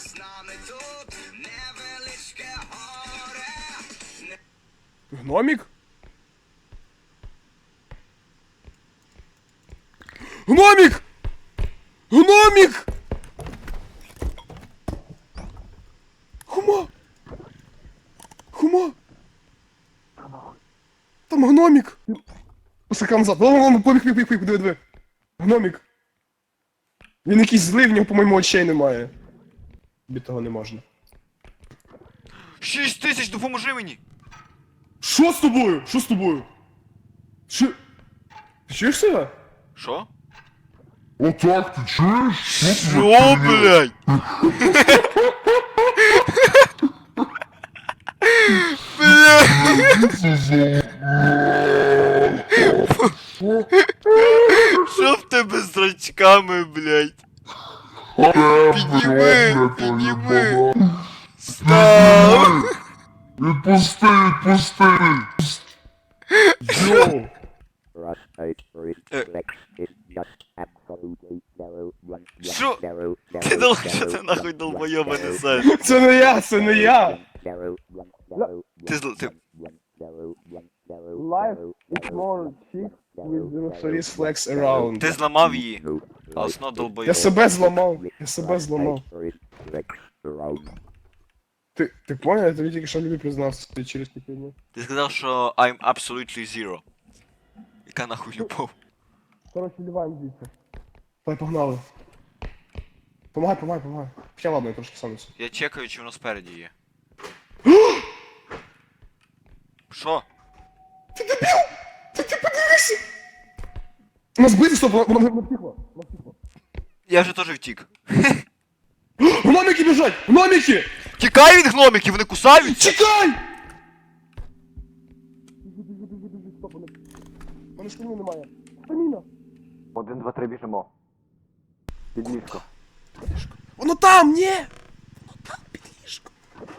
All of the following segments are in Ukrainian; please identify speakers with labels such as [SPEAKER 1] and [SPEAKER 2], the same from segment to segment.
[SPEAKER 1] Гномік? Гномік! Гномік! Хума! Хума! Там гномік! Посака назад. Побіг, диви. Гномік. Він якийсь злий, в нього, по-моєму, очей немає. Тобі того не можна.
[SPEAKER 2] 6000, допоможи мені!
[SPEAKER 1] Що з тобою? Що з тобою? Що? Ти чуєш себе?
[SPEAKER 2] Що?
[SPEAKER 3] Отак, ти чуєш?
[SPEAKER 2] Що, блядь? Що в тебе з зрачками, блядь? Підніми! Став!
[SPEAKER 3] Відпусти!
[SPEAKER 1] Йоу!
[SPEAKER 2] Що? Що ти нахуй долбойоба несеш?
[SPEAKER 1] Це не я!
[SPEAKER 2] Ти...
[SPEAKER 1] Life is more chick with the face flex around.
[SPEAKER 2] Ти зламав її. А основно долбойоб.
[SPEAKER 1] Я себе зламав. Ти понял? Я тобі тільки що любі признався ти через такі дні.
[SPEAKER 2] Ти сказав, що I'm absolutely zero. Яка нахуй любов?
[SPEAKER 1] Короче, ливаем звідси. Давай, погнали. Помагай. Хоча ладно, я трошки сам несу.
[SPEAKER 2] Я чекаю, чи воно спереді є. Що?
[SPEAKER 1] Ти подивися! Нас бити, стоп, воно втіхло.
[SPEAKER 2] Я вже теж втік.
[SPEAKER 1] Гномики біжать! Гномики!
[SPEAKER 2] Тікай від гномиків, вони кусаються!
[SPEAKER 1] Чекай! Стоп, у мене стаміни немає. Стаміна!
[SPEAKER 4] 1, 2, 3, біжимо. Під ліжко.
[SPEAKER 1] Воно там, ні! Воно там, під ліжком.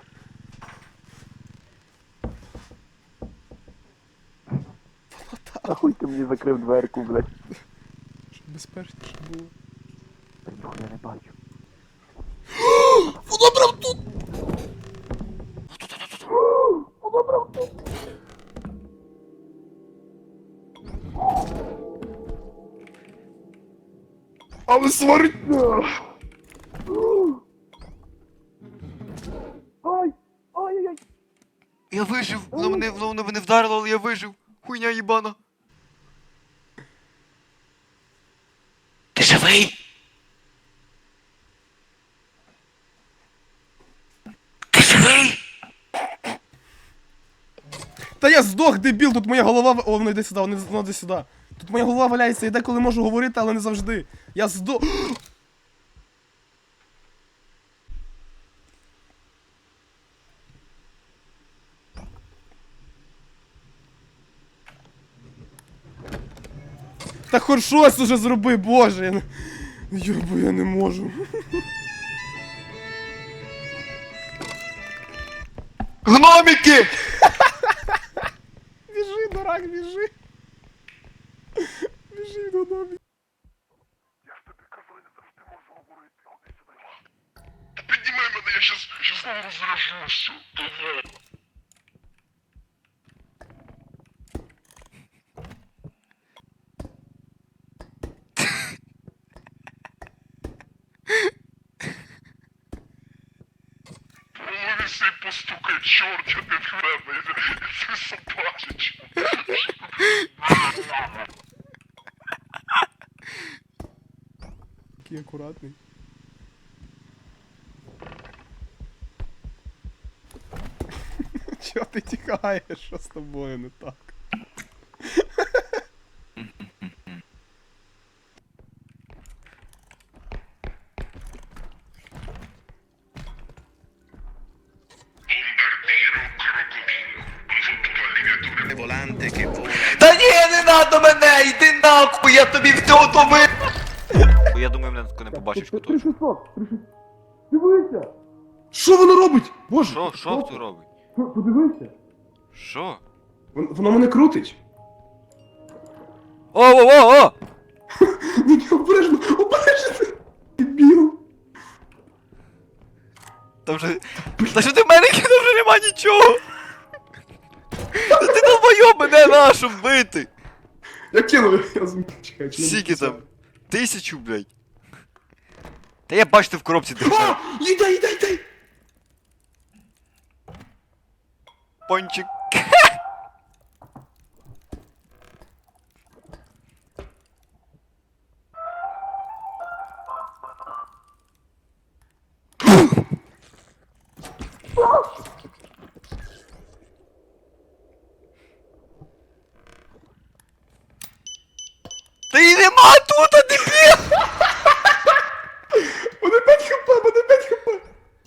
[SPEAKER 4] Нахуй ти мені закрив дверку, блядь.
[SPEAKER 1] Щоб безпечніше було.
[SPEAKER 4] Та ніхуя я не бачу.
[SPEAKER 1] Воно прям тут! Воно прям тут! Але свариться! Ай-яй-яй!
[SPEAKER 2] Я вижив! Воно мене вдарило, але я вижив! Хуйня їбана! Ти живий? Ти живий?
[SPEAKER 1] Та я здох, дебіл, тут моя голова... О, воно йде сюди, воно йде сюди. Тут моя голова валяється, я деколи можу говорити, але не завжди. Я здох... Та хоч щось уже зроби, боже, я не... Йобу, я не можу.
[SPEAKER 2] Гномики!
[SPEAKER 1] Біжи, дурак, біжи. Біжи, гномик.
[SPEAKER 3] Я ж тобі казав, я завжди можу говорити. Ходи сюди. Піднімай мене, я щас знову розражуся. Давай. Повісий постукай, чорт, я не впевнений. Це собачич.
[SPEAKER 1] Такий акуратний. Чого ти тікаєш? Що з тобою не так?
[SPEAKER 2] Та ні, не надо мене! Йди нахуй, я тобі все то ви... Я думаю, мене тако не побачиш хто.
[SPEAKER 1] 3600! Дивися! Що воно робить? Боже!
[SPEAKER 2] Що ти робить?
[SPEAKER 1] Подивися!
[SPEAKER 2] Що?
[SPEAKER 1] Воно мене крутить!
[SPEAKER 2] О!
[SPEAKER 1] Ні, обережно! Обережно! Дебіл!
[SPEAKER 2] Там вже... Та що ти в мене кинув, вже нема нічого! Та ти долбойоб, мене нашу вбити!
[SPEAKER 1] Я кинув, я чекай, чи не
[SPEAKER 2] Скільки
[SPEAKER 1] написав?
[SPEAKER 2] там? 1000, блядь. Та я бачу, ти в коробці держав.
[SPEAKER 1] О! Їдай!
[SPEAKER 2] Пончик. Та її нема тут, а дебіл!
[SPEAKER 1] Мене 5 хп!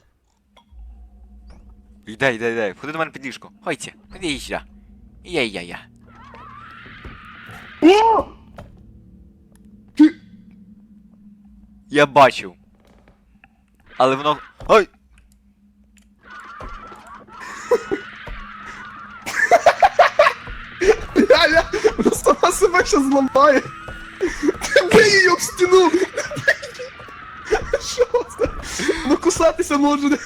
[SPEAKER 2] Йдай. Ходи до мене під ліжко. Ходьте, ходи сюди. Я.
[SPEAKER 1] О! Ти...
[SPEAKER 2] Я бачив. Але воно... Ой!
[SPEAKER 1] Ля-ля! Вона сама себе щас зламає! Ти бий її об стіну! Що це? Ну кусатися може!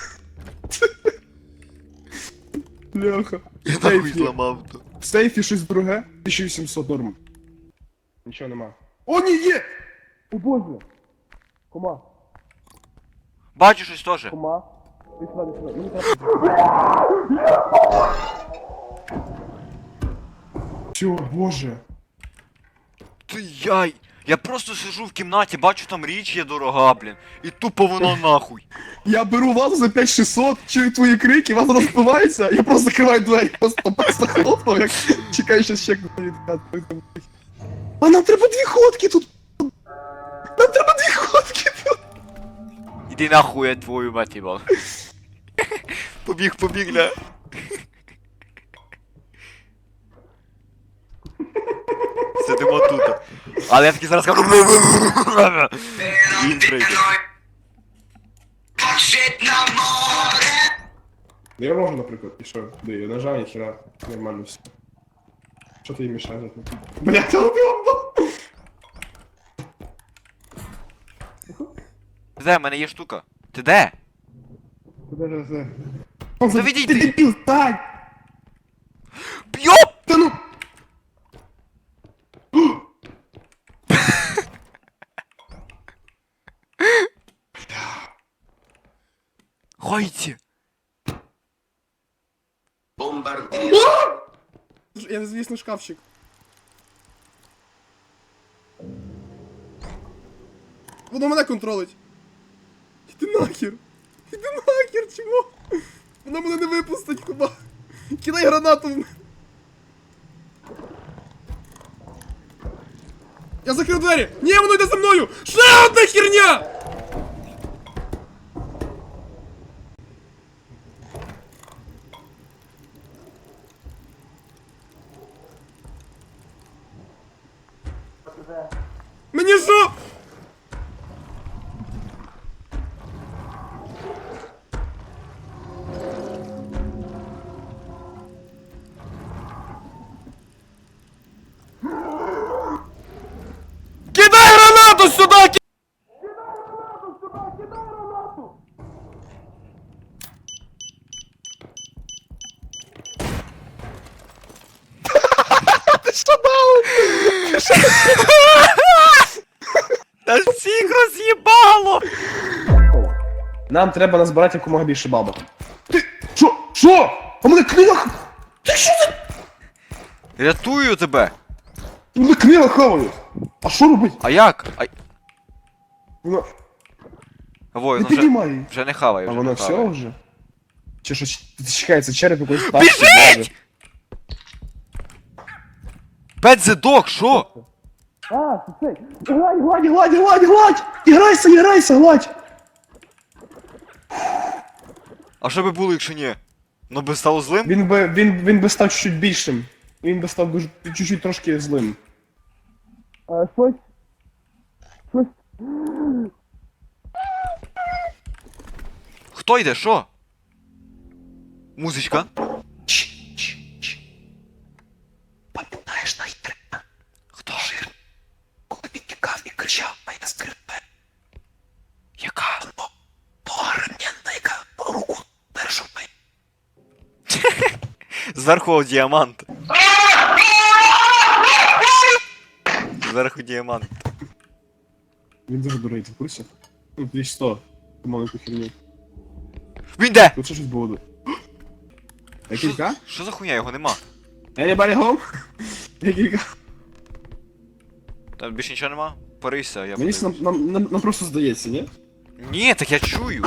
[SPEAKER 1] Бляха.
[SPEAKER 2] Я
[SPEAKER 1] В
[SPEAKER 2] нахуй
[SPEAKER 1] сейфі.
[SPEAKER 2] зламав то.
[SPEAKER 1] В сейфі щось друге. 1800 норм. Нічого нема. О, ні, є! О боже! Кома.
[SPEAKER 2] Бачу щось теж.
[SPEAKER 1] Кома. Ти сюди. Мені треба... Всё, боже.
[SPEAKER 2] Ти яй! Я просто сижу в кімнаті, бачу там річ є дорога, блін. І тупо воно нахуй.
[SPEAKER 1] Я беру вазу за 5600, чую твої крики, ваза розпливається, я просто закриваю двері, просто хлопнув, як чекаю, що ще відкати. А нам треба 2 ходки тут! Нам треба 2 ходки тут!
[SPEAKER 2] Іди нахуй, я твою мать їбал. Побіг, ля. Сидимо тут. Але я таки зараз кажу. Він прийде.
[SPEAKER 1] Ну я можу, наприклад, і що? Де я нажав, ніхера, нормально все. Що ти їй мішаєш? Блять, я убив!
[SPEAKER 2] Де, в мене є штука. Ти де?
[SPEAKER 1] Куди?
[SPEAKER 2] Та відійди.
[SPEAKER 1] Ти дебіл, стань!
[SPEAKER 2] Йоп!
[SPEAKER 1] Та ну!
[SPEAKER 2] Хойте!
[SPEAKER 1] Я, звісно, шкафчик. Воно мене контролить. Іди нахер. Чому? Воно мене не випустить, хіба. Кидай гранату в мене. Я закрив двері! Ні, воно йде за мною! Ще одна херня! Мені що? Кидай гранату сюда! Ти що дав?
[SPEAKER 2] Та всіх роз'їбало!
[SPEAKER 1] Нам треба назбирати якомога більше бабок. Ти що? Що? А мене книга... Ти що це?
[SPEAKER 2] Рятую тебе!
[SPEAKER 1] Мене книга хаває. А що робить?
[SPEAKER 2] А як?
[SPEAKER 1] Вона...
[SPEAKER 2] Ой,
[SPEAKER 1] Не
[SPEAKER 2] ну вже,
[SPEAKER 1] піднімай її.
[SPEAKER 2] вже не хавай,
[SPEAKER 1] А
[SPEAKER 2] вже
[SPEAKER 1] воно
[SPEAKER 2] не
[SPEAKER 1] все
[SPEAKER 2] хавай.
[SPEAKER 1] вже? Чи що чекається череп якоїсь пташки?
[SPEAKER 2] Біжить! Pet the dog, що?
[SPEAKER 1] А, це цей. Гладь! Іграйся, гладь!
[SPEAKER 2] А що би було, якщо ні? Ну би стало злим?
[SPEAKER 1] Він би став чуть більшим. Він би став дуже чуть-чуть трошки злим. Щось?
[SPEAKER 2] Хто йде, що? Музичка?
[SPEAKER 1] Пам'ятаєш найстрима?
[SPEAKER 2] Хто?
[SPEAKER 1] Коли він тікав і кричав, а я скрипе.
[SPEAKER 2] Яка?
[SPEAKER 1] Погорненна, яка руку
[SPEAKER 2] Зверху діамант. Зверху діамант.
[SPEAKER 1] Він дуже дурний, ти в курсі? Ну, 2100. Ти маленьку херню.
[SPEAKER 2] Він де?
[SPEAKER 1] Тут ще щось буде. Якілька?
[SPEAKER 2] Що за хуйня? Його нема.
[SPEAKER 1] Anybody home? Якілька?
[SPEAKER 2] Там більше нічого нема? Порися, я
[SPEAKER 1] Мені
[SPEAKER 2] подивлюсь.
[SPEAKER 1] нам просто здається, ні?
[SPEAKER 2] Ні, так я чую.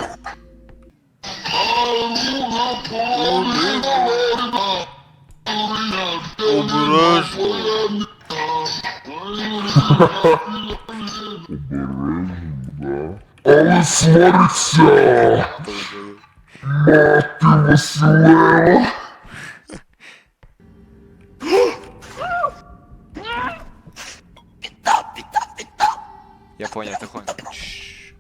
[SPEAKER 2] Обережно.
[SPEAKER 3] Але свариться! Мати Василева!
[SPEAKER 2] Я понял, тихонько. Чш.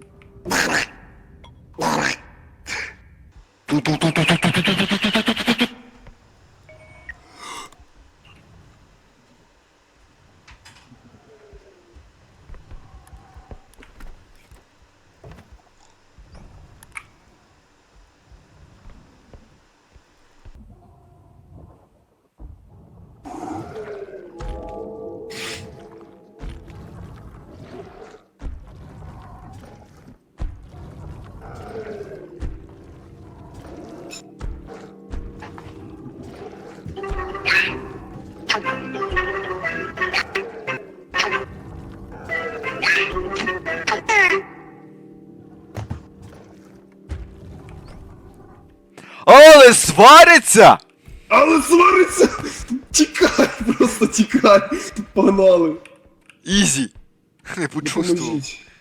[SPEAKER 2] Але свариться!
[SPEAKER 1] Але свариться! Тікай, просто тікай! Погнали!
[SPEAKER 2] Ізі. Не почувствував.
[SPEAKER 1] Допоможіть.